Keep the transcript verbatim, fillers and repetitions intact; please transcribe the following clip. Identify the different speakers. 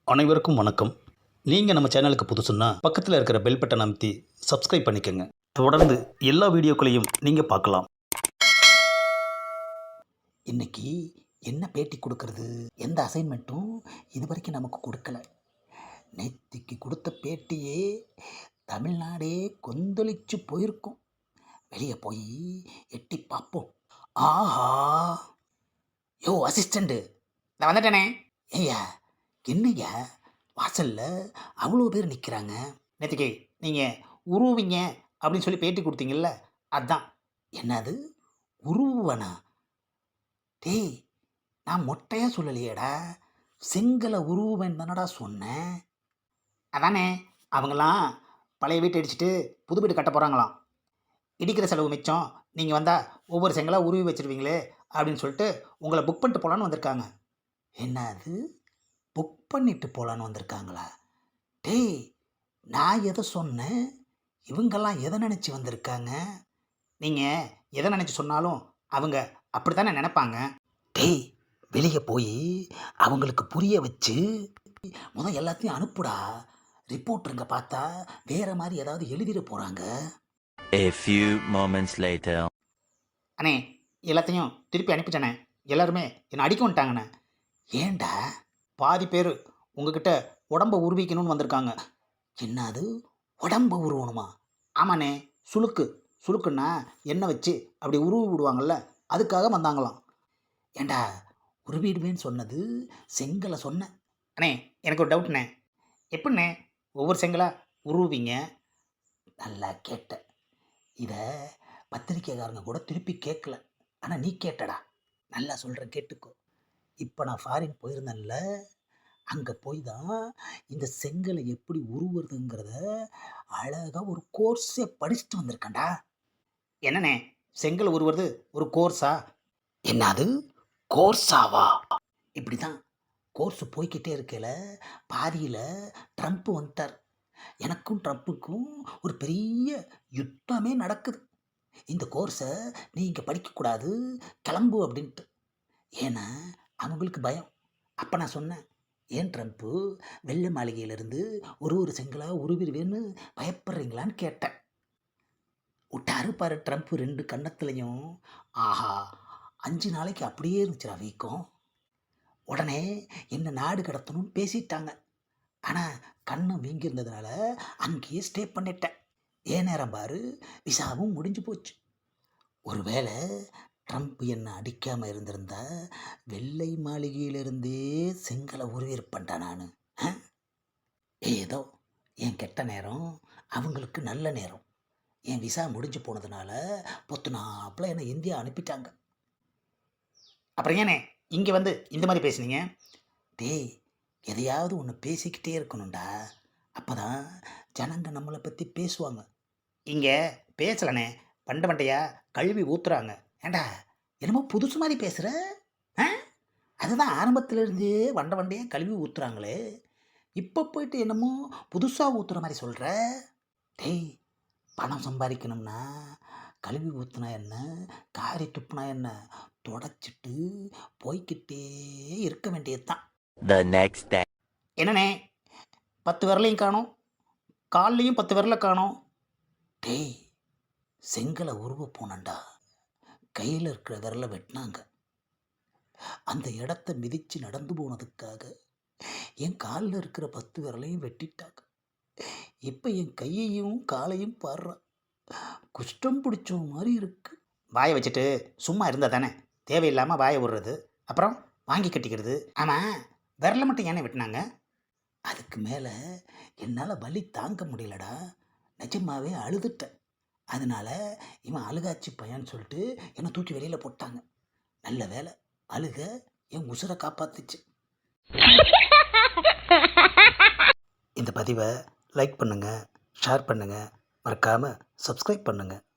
Speaker 1: அனைவருக்கும் வணக்கம். நீங்கள் நம்ம சேனலுக்கு புதுசுன்னா பக்கத்தில் இருக்கிற பெல் பட்டனை அமைத்தி சப்ஸ்கிரைப் பண்ணிக்கோங்க. தொடர்ந்து எல்லா வீடியோக்களையும் நீங்கள் பார்க்கலாம்.
Speaker 2: இன்னைக்கு என்ன பேட்டி கொடுக்கறது? எந்த அசைன்மெண்ட்டும் இது வரைக்கும் நமக்கு கொடுக்கல. நேத்திக்கு கொடுத்த பேட்டியே தமிழ்நாடே கொந்தளிச்சு போயிருக்கும். வெளியே போய் எட்டி பார்ப்போம். ஆஹா, யோ அசிஸ்டண்ட்டு, நான் வந்துட்டேனே. ஏய்யா, என்னய்யா வாசல்ல அவ்வளோ பேர் நிற்கிறாங்க? நேத்திக்கு நீங்கள் உருவீங்க அப்படின்னு சொல்லி பேட்டி கொடுத்தீங்கல்ல, அதான். என்னது உருவனா? டேய், நான் மொட்டையாக சொல்லலையேடா, செங்கலை உருவேன் தானடா சொன்னேன். அதானே, அவங்களாம் பழைய வீட்டை இடிச்சிட்டு புது வீடு கட்ட போகிறாங்களாம். இடிக்கிற செலவு மிச்சம், நீங்கள் வந்தால் ஒவ்வொரு செங்கலாக உருவி வச்சுருவீங்களே அப்படின்னு சொல்லிட்டு உங்களை புக் பண்ணிட்டு போகலான்னு வந்திருக்காங்க. என்னது, புக் பண்ணிட்டு போகலான்னு வந்திருக்காங்களா? டேய், நான் எதை சொன்னேன்? இவங்கெல்லாம் எதை நினச்சி வந்திருக்காங்க? நீங்கள் எதை நினச்சி சொன்னாலும் அவங்க அப்படி தானே நினைப்பாங்க. டேய், வெளியே போய் அவங்களுக்கு புரிய வச்சு முதல் எல்லாத்தையும் அனுப்புடா. ரிப்போர்ட்டருங்க பார்த்தா வேற மாதிரி ஏதாவது எழுதிட போகிறாங்க.
Speaker 3: A few moments later.
Speaker 2: அண்ணே, எல்லாத்தையும் திருப்பி அனுப்பிட்டேனே. எல்லாருமே என்னை அடிக்க வந்துட்டாங்கண்ணே. ஏண்டா? பாதி பேர் உங்ககிட்ட உடம்பை உருவிக்கணும்னு வந்திருக்காங்க. என்னது, உடம்பை உருவணுமா? ஆமாண்ணே, சுளுக்கு சுளுக்குன்னா எண்ணெய் வச்சு அப்படி உருவி விடுவாங்கள்ல, அதுக்காக வந்தாங்களாம். ஏண்டா, உருவிடுவேன்னு சொன்னது செங்கலை சொன்னேன். அண்ணே, எனக்கு ஒரு டவுட்ண்ணே. எப்படிண்ணே ஒவ்வொரு செங்கலாக உருவீங்க? நல்லா கேட்ட. இதை பத்திரிக்கைக்காரங்க கூட திருப்பி கேட்கல, ஆனால் நீ கேட்டடா. நல்லா சொல்கிறேன், கேட்டுக்கோ. இப்போ நான் ஃபாரின் போயிருந்தேன்ல, அங்கே போய் தான் இந்த செங்கலை எப்படி உருவுறதுங்கிறத அழகாக ஒரு கோர்ஸே படிச்சுட்டு வந்திருக்கேன்டா. என்னண்ணே, செங்கல் உருவுறது ஒரு கோர்ஸா? என்னது, கோர்ஸாவா? இப்படி தான் கோர்ஸு போய்கிட்டே இருக்கல, பாதியில் ட்ரம்ப் வந்துட்டார். எனக்கும் ட்ரம்ப்புக்கும் ஒரு பெரிய யுத்தமே நடக்குது. இந்த கோர்ஸை நீ இங்கே படிக்கக்கூடாது, கிளம்பு அப்படின்ட்டு. ஏன்னா அவங்களுக்கு பயம். அப்போ நான் சொன்னேன், ஏன் ட்ரம்ப்பு வெள்ளை மாளிகையிலேருந்து ஒரு ஒரு செங்கலாக உருவிடுவேன்னு பயப்படுறீங்களான்னு கேட்டேன். விட்டாரு பாரு ட்ரம்ப்பு ரெண்டு கன்னத்துலையும். ஆஹா, அஞ்சு நாளைக்கு அப்படியே இருந்துச்சுடா வீக்கம். உடனே என்ன நாடு கடத்தணும்னு பேசிட்டாங்க. ஆனால் கண்ணு வீங்கியிருந்ததுனால அங்கேயே ஸ்டே பண்ணிட்டேன். ஏன் நேரம் பாரு, விசாவும் முடிஞ்சு போச்சு. ஒருவேளை ட்ரம்ப் என்னை அடிக்காமல் இருந்திருந்தா வெள்ளை மாளிகையிலிருந்தே செங்கலை உருவிருப்பேன்டா நான். ஏதோ என் கெட்ட நேரம் அவங்களுக்கு நல்ல நேரம். என் விசா முடிஞ்சு போனதுனால பொத்துனாப்பில் என்னை இந்தியா அனுப்பிட்டாங்க. அப்புறம் ஏனே இங்கே வந்து இந்த மாதிரி பேசுனீங்க? டேய், எதையாவது ஒன்று பேசிக்கிட்டே இருக்கணும்டா, அப்போ தான் ஜனங்க நம்மளை பற்றி பேசுவாங்க. இங்கே பேசலண்ணே, பண்டை பண்டையா கழுவி ஊற்றுறாங்க. ஏண்டா, என்னமோ புதுசு மாதிரி பேசுகிற? ஆ, அதுதான் ஆரம்பத்திலேருந்தே வண்டை வண்டையாக கழுவி ஊற்றுறாங்களே, இப்போ போயிட்டு என்னமோ புதுசாக ஊற்றுற மாதிரி சொல்கிற. டேய், பணம் சம்பாதிக்கணும்னா கழுவி ஊற்றுனா என்ன, காரி துப்புனா என்ன, தொடச்சிட்டு போய்கிட்டே இருக்க வேண்டியது தான்.
Speaker 3: The next day.
Speaker 2: என்னண்ணே, பத்து விரலையும் காணோம், கால்லையும் பத்து விரலை காணோம். டேய், செங்கலை உருவ போனண்டா, கையில் இருக்கிற விரலை வெட்டினாங்க. அந்த இடத்த மிதித்து நடந்து போனதுக்காக என் காலில் இருக்கிற பத்து விரலையும் வெட்டிட்டாங்க. இப்போ என் கையையும் காலையும் பாடுறான். குஷ்டம் பிடிச்ச மாதிரி இருக்கு. வாயை வச்சுட்டு சும்மா இருந்தால் தானே தேவையில்லாமல் வாயை விடுறது, அப்புறம் வாங்கி கட்டிக்கிறது. ஆமாம், விரலை மட்டும் ஏனே வெட்டினாங்க? அதுக்கு மேலே என்னால் வலி தாங்க முடியலடா, நிஜமாவே அழுதுட்டேன். அதனால் இவன் அழுகாச்சி பையன்னு சொல்லிட்டு என்னை தூக்கி வெளியில் போட்டாங்க. நல்ல வேலை, அழுக என் உசுரை காப்பாத்துச்சு. இந்த பதிவை லைக் பண்ணுங்கள், ஷேர் பண்ணுங்கள், மறக்காமல் சப்ஸ்கிரைப் பண்ணுங்கள்.